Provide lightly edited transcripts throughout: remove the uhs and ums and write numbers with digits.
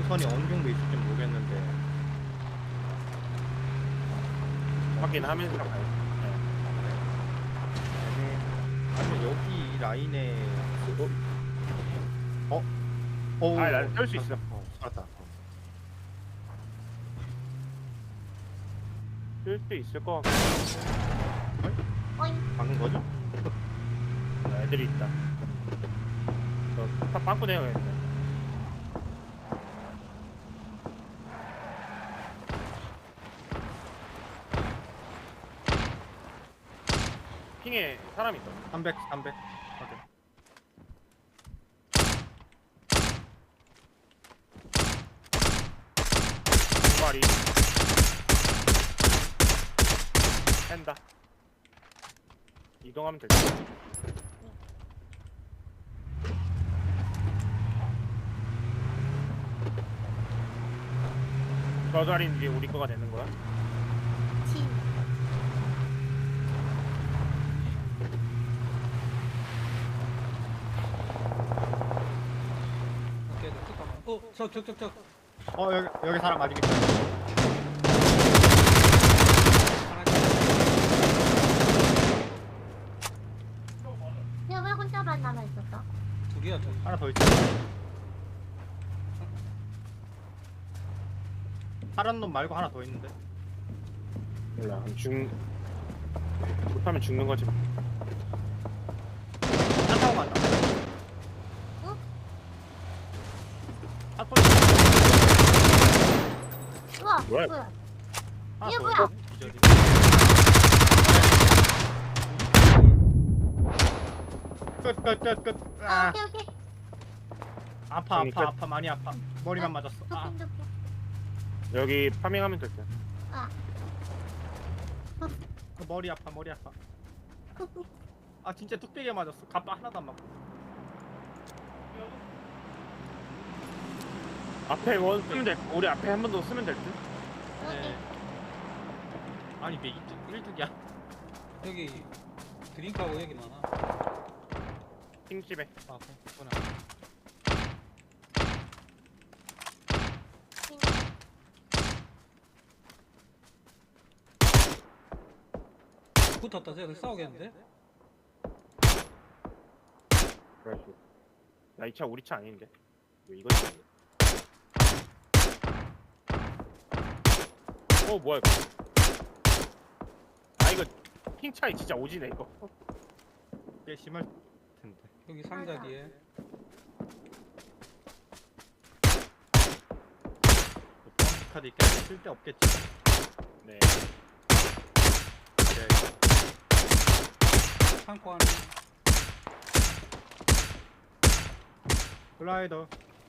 능선이 어느 정도 있을지 모르겠는데. 확인하면서 가요. 아니 여기 이 라인에 난 쏠 수 있어. 살았다. 쓸 수 있을 것 같고. 어잉. 막는 거죠? 애들이 있다. 저 빵꾸 내야겠네. 핑에 사람 있어. 300. 오케이. 두 마리. 뺀다. 이동하면 될 듯. 저 자리는 이제 우리 거가 되는 거야? 진. 오케이, 잠깐만. 적. 여기 사람 아직 있다. 야, 왜 혼자만 남아 있었어? 두 개야, 저기. 하나 더 있어. 파란 놈 말고 하나 더 있는데. 몰라. 못하면 죽는 거지. 차 타고 간다. 응? 차 타고 우와, 뭐야? 뭐야? 하나 이게 더 뭐야? 있어. 기절이. 끝. 아, 오케이. 아파 많이 아파. 머리만 맞았어. 아, 도핑. 여기 파밍하면 될 듯. 머리 아파. 아 진짜 뚝배기에 맞았어. 갑바 하나도 안 맞고. 앞에 원 쓰면 될. 우리 앞에 한 번 더 쓰면 될 듯. 오케이. 아니 왜 일뚝이야? 여기 드링크하고 여기 많아. 핑집에. 아 그렇구나. 붙었다, 저기 싸우겠는데? 그래가지고. 야, 이 차 우리 차 아닌데. 왜 이거지? 뭐야 이거. 아 이거 핑 차이 진짜 오지네 이거. 꽤 심할 텐데. 여기 상자 뒤에. 카드 있게 쓸데 없겠지. 네. 창고 안에. 글라이더.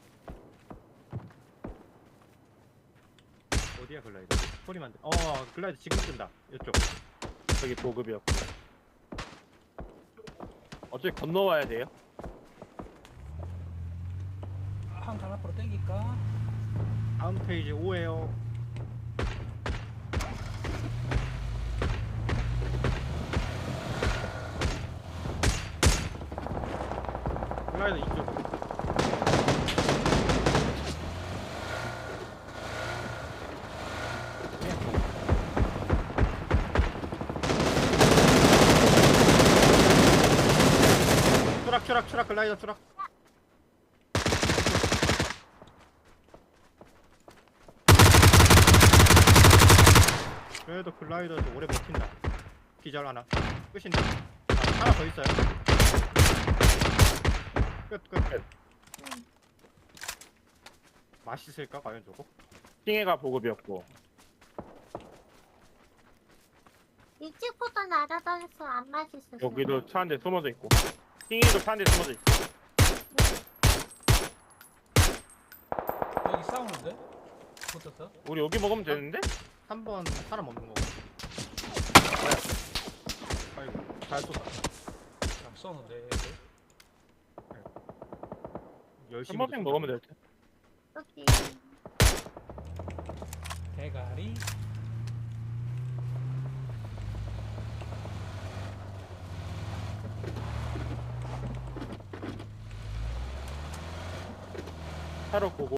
어디야 글라이더? 소리만 들. 글라이더 지금 뜬다. 이쪽. 저기 보급이었고. 어차피 건너와야 돼요. 한칸 앞으로 당길까? 다음 페이지 5에요. 글라이더 이쪽. 추락 글라이더 추락. 그래도 글라이더도 오래 버틴다. 기절 하나. 끝인데. 하나 더 있어요. 끝. 맛있을까 과연 저거? 핑해가 보급이었고. 일찍부터 날아다녀서 안 맛있었어. 여기도 차 한 대 숨어져 있고. 핑해도 차 한 대 숨어져 있고. 여기 싸우는데? 붙었어? 우리 여기 먹으면 되는데? 3번 사람 없는 거고. 아이고 잘 쏘다. 잘 쏘는데. 열심히. 3번핑 먹으면 될 듯. 오케이. 대가리. 차로 보고